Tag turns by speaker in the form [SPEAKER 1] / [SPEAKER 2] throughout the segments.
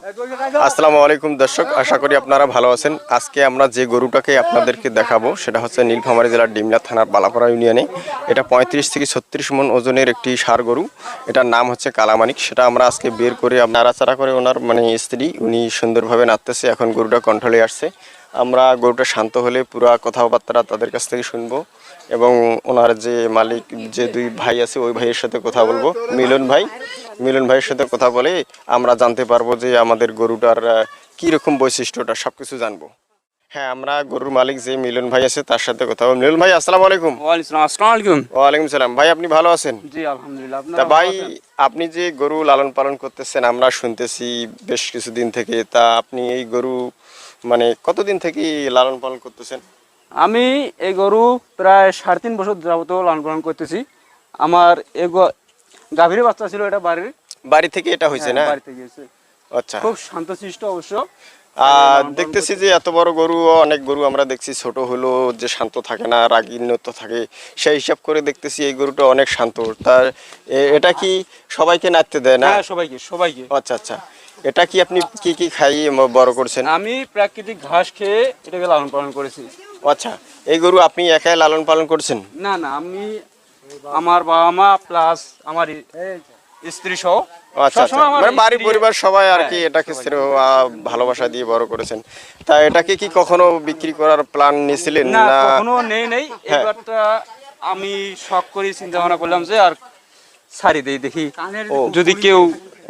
[SPEAKER 1] আসসালামু আলাইকুম দর্শক, আশা করি আপনারা ভালো আছেন। আজকে আমরা যে গরুটাকে আপনাদেরকে দেখাবো সেটা হচ্ছে নীলফামারী জেলার ডিমলা থানার বালাপাড়া ইউনিয়নে। এটা 35 থেকে 36 মণ ওজনের একটি ষাঁড় গরু। এটার নাম হচ্ছে কালামানিক। সেটা আমরা আজকে বের করে নাড়াচাড়া করে ওনার স্ত্রী উনি সুন্দরভাবে নাড়তেছে। এখন গরুটা কন্ট্রোলে আসছে। আমরা গরুটা শান্ত হলে পুরা কথাবার্তা তাদের কাছ থেকে শুনবো এবং ওনার যে মালিক যে দুই ভাই আছে ওই ভাইয়ের সাথে কথা বলবো। মিলন ভাইয়ের সাথে কথা বলে আমরা জানতে পারবো যে আমাদের গরুটার কি রকম বৈশিষ্ট্যটা সবকিছু জানবো। হ্যাঁ, আমরা গরুর মালিক যে মিলন ভাই আছে তার সাথে কথা বলবো। মিলন ভাই, আসসালামু আলাইকুম।
[SPEAKER 2] আসসালামু আলাইকুম।
[SPEAKER 1] ওয়ালাইকুম সালাম। ভাই, আপনি ভালো আছেন?
[SPEAKER 2] জি আলহামদুলিল্লাহ।
[SPEAKER 1] তা ভাই, আপনি যে গরু লালন পালন করতেছেন আমরা শুনতেছি বেশ কিছুদিন থেকে। তা আপনি এই গরু কতদিন থেকে লালন পালন করতেছেন?
[SPEAKER 2] আমি এই গরু প্রায় 3.5 বছর যাবত লালন পালন করতেছি। আমার এই গাভীর বাচ্চা ছিল, এটা
[SPEAKER 1] বাড়ি থেকে এটা হয়েছে না?
[SPEAKER 2] বাড়ি থেকে হয়েছে।
[SPEAKER 1] আচ্ছা,
[SPEAKER 2] খুব শান্তশিষ্ট অবশ্য।
[SPEAKER 1] দেখতেছি যে এত বড় গরু, অনেক গরু আমরা দেখছি ছোট হলো যে শান্ত থাকে না, রাগীনত থাকে। সেই হিসাব করে দেখতেছি এই গরুটা অনেক শান্ত। তার এটা কি সবাইকে নাচতে দেয় না?
[SPEAKER 2] হ্যাঁ, সবাইকে।
[SPEAKER 1] আচ্ছা আচ্ছা, এটা কি আপনি কি কি খাইয়ে বড় করছেন?
[SPEAKER 2] আমি প্রাকৃতিক ঘাস খেয়ে এটাকে লালন পালন করেছি।
[SPEAKER 1] আচ্ছা, এই গরু আপনি একাই লালন পালন করছেন?
[SPEAKER 2] না, আমি আমার বাবা মা প্লাস আমার স্ত্রী সহ।
[SPEAKER 1] আচ্ছা আচ্ছা, বাড়ি পরিবার সবাই আর কি এটাকে ভালোবাসা দিয়ে বড় করেছেন। তা এটাকে কি কখনো বিক্রি করার প্ল্যান নিয়েছিলেন?
[SPEAKER 2] না, কখনো নেই। এবারটা আমি শখ করে চিন্তা ভাবনা করলাম যে আর ছাড়ি দেই, দেখি যদি কেউ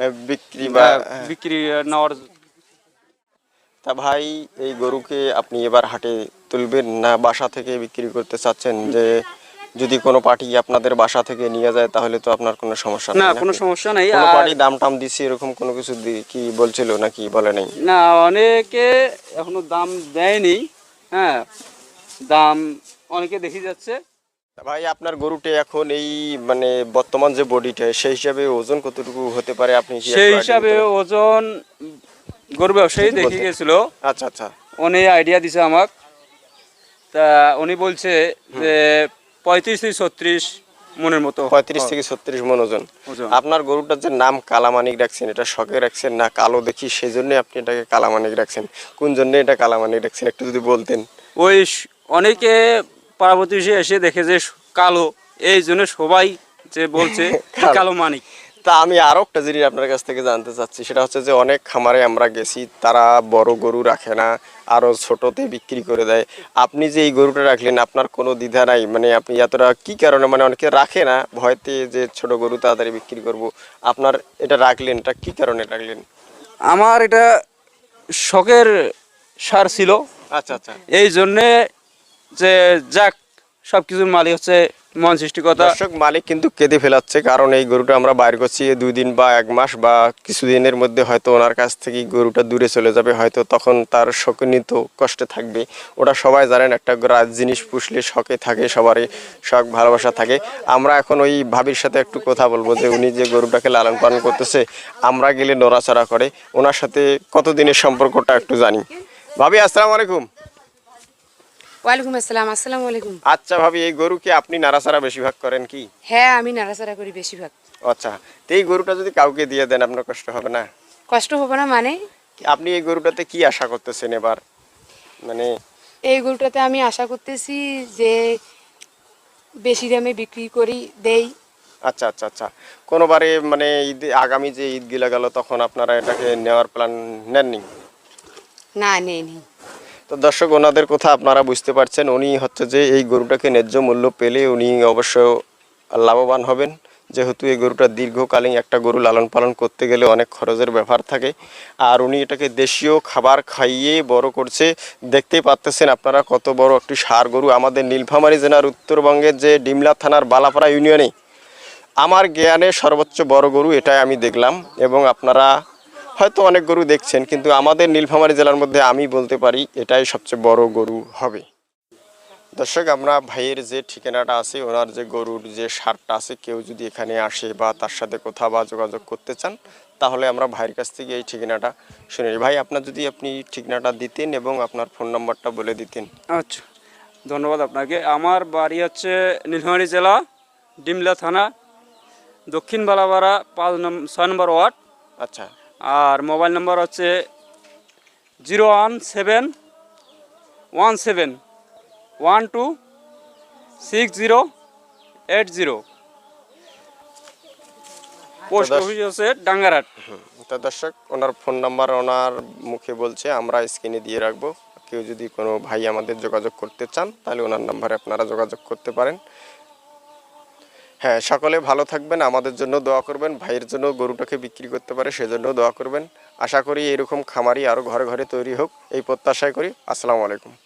[SPEAKER 2] বিক্রি নেওয়ার।
[SPEAKER 1] তা ভাই, এই গরুকে আপনি এবার হাটে তুলবেন না বাসা থেকে বিক্রি করতে চাচ্ছেন? যে যদি কোনো পার্টি আপনাদের বাসা থেকে নিয়ে যায় তাহলে তো আপনার কোনো সমস্যা
[SPEAKER 2] না, কোনো সমস্যা নাই।
[SPEAKER 1] কোনো পার্টি দাম টাম দিছি এরকম কোনো কিছু কি বলছিল নাকি বলে নাই?
[SPEAKER 2] না, অনেকে এখনো দাম দেয়নি। হ্যাঁ, দাম অনেকে দেখি যাচ্ছে।
[SPEAKER 1] ভাই, আপনার গরুটা এখন এই বর্তমান যে বডিটা সেই হিসাবে ওজন কতটুকু হতে পারে আপনি কি
[SPEAKER 2] সেই হিসাবে ওজন গরু ব্যবসায়ী দেখে গেছিল।
[SPEAKER 1] আচ্ছা আচ্ছা,
[SPEAKER 2] উনি আইডিয়া দিছে আমাকে। তা উনি বলছে যে 35 থেকে 36 মনের মতো।
[SPEAKER 1] 35 থেকে 36 মন ওজন। আপনার গরুটার যে নাম কালামানিক রাখছেন, এটা শখে রাখছেন না কালো দেখি সেজন্য আপনি এটাকে কালামানিক রাখছেন? কোন জন্য এটা কালামানিক রাখছেন একটু যদি বলতেন।
[SPEAKER 2] ওই অনেকে পার্বতী এসে দেখে যে কালো, এই জন্য সবাই যে বলছে কালো মানিক।
[SPEAKER 1] তা আমি আরো একটা জিনিস আপনার কাছ থেকে জানতে চাচ্ছি, সেটা হচ্ছে যে অনেক খামারে আমরা গেছি তারা বড় গরু রাখে না, আরো ছোটতে বিক্রি করে দেয়। আপনি যে এই গরুটা রাখলেন আপনার কোনো দ্বিধা নাই? আপনি এতটা কি কারণে, অনেকে রাখে না ভয়তে যে ছোট গরু তাড়াতাড়ি বিক্রি করব, আপনার এটা রাখলেন, এটা কি কারণে রাখলেন?
[SPEAKER 2] আমার এটা শখের সার ছিল।
[SPEAKER 1] আচ্ছা আচ্ছা,
[SPEAKER 2] এই জন্যে যে যাক সবকিছুর মালিক হচ্ছে মন সৃষ্টিকর্তা।
[SPEAKER 1] দর্শক, মালিক কিন্তু কেঁদে ফেলাচ্ছে, কারণ এই গরুটা আমরা বাইর করছি 2 দিন বা 1 মাস বা কিছুদিনের মধ্যে হয়তো ওনার কাছ থেকে গরুটা দূরে চলে যাবে, হয়তো তখন তার শোকান্বিত কষ্টে থাকবে। ওটা সবাই জানেন, একটা জিনিস পুষলে শখে থাকে, সবারই শখ ভালোবাসা থাকে। আমরা এখন ওই ভাবির সাথে একটু কথা বলবো যে উনি যে গরুটাকে লালন পালন করতেছে, আমরা গেলে নড়াচড়া করে, ওনার সাথে কতদিনের সম্পর্কটা একটু জানি। ভাবি, আসসালামু আলাইকুম।
[SPEAKER 3] ওয়ালাইকুম আসসালাম। আসসালামু আলাইকুম।
[SPEAKER 1] আচ্ছা ভাবি, এই গরুকে আপনি নাড়াচাড়া বেশিরভাগ করেন কি?
[SPEAKER 3] হ্যাঁ, আমি নাড়াচাড়া করি বেশিরভাগ।
[SPEAKER 1] আচ্ছা, তো এই গরুটা যদি কাউকে দিয়ে দেন আপনার কষ্ট হবে না?
[SPEAKER 3] কষ্ট হবে না মানে?
[SPEAKER 1] আপনি এই গরুটাতে কি আশা করতেছেন এবার?
[SPEAKER 3] এই গরুটাতে আমি আশা করতেছি যে বেশি দামে বিক্রি করি দেই।
[SPEAKER 1] আচ্ছা আচ্ছা আচ্ছা, কোনোবারে ঈদ আগামী যে ঈদগুলা গেল তখন আপনারা এটাকে নেওয়ার প্ল্যান নেননি?
[SPEAKER 3] না, নেই।
[SPEAKER 1] তো দর্শক, ওনাদের কথা আপনারা বুঝতে পারছেন। উনি হচ্ছে যে এই গরুটাকে ন্যায্য মূল্য পেলে উনি অবশ্য লাভবান হবেন, যেহেতু এই গরুটা দীর্ঘকালীন একটা গরু লালন পালন করতে গেলে অনেক খরচের ব্যাপার থাকে। আর উনি এটাকে দেশীয় খাবার খাইয়ে বড় করছে। দেখতেই পাচ্ছেন আপনারা কত বড় একটি ষাঁড় গরু। আমাদের নীলফামারী জেলার উত্তরবঙ্গের যে ডিমলা থানার বালাপাড়া ইউনিয়নে আমার জ্ঞানে সর্বোচ্চ বড় গরু এটাই আমি দেখলাম, এবং আপনারা হয়তো অনেক গরু দেখছেন, কিন্তু আমাদের নীলফামারী জেলার মধ্যে আমি বলতে পারি এটাই সবচেয়ে বড় গরু হবে। দর্শক, আমরা ভাইয়ের যে ঠিকানাটা আছে, ওনার যে গরুর যে ষাঁড়টা আছে, কেউ যদি এখানে আসে বা তার সাথে কথা বা যোগাযোগ করতে চান তাহলে আমরা ভাইয়ের কাছ থেকে এই ঠিকানাটা শুনে নিই। ভাই, আপনার যদি আপনি ঠিকানাটা দিতেন এবং আপনার ফোন নাম্বারটা বলে দিতেন।
[SPEAKER 2] আচ্ছা, ধন্যবাদ আপনাকে। আমার বাড়ি হচ্ছে নীলফামারী জেলা ডিমলা থানা, দক্ষিণ বালাপাড়া 6 নম্বর ওয়ার্ড।
[SPEAKER 1] আচ্ছা,
[SPEAKER 2] আর মোবাইল নাম্বার হচ্ছে 01717126080। পোস্ট অফিস হচ্ছে ডাঙ্গারহাট।
[SPEAKER 1] তো দর্শক, ওনার ফোন নাম্বার ওনার মুখে বলছে, আমরা স্ক্রিনে দিয়ে রাখবো। কেউ যদি কোনো ভাই আমাদের যোগাযোগ করতে চান তাহলে ওনার নাম্বারে আপনারা যোগাযোগ করতে পারেন। হ্যাঁ, সকলে ভালো থাকবেন, আমাদের জন্য দোয়া করবেন, ভাইয়ের জন্য গরুটাকে বিক্রি করতে পারে সেজন্য দোয়া করবেন। আশা করি এরকম খামারি আরও ঘরে ঘরে তৈরি হোক, এই প্রত্যাশাই করি। আসসালামু আলাইকুম।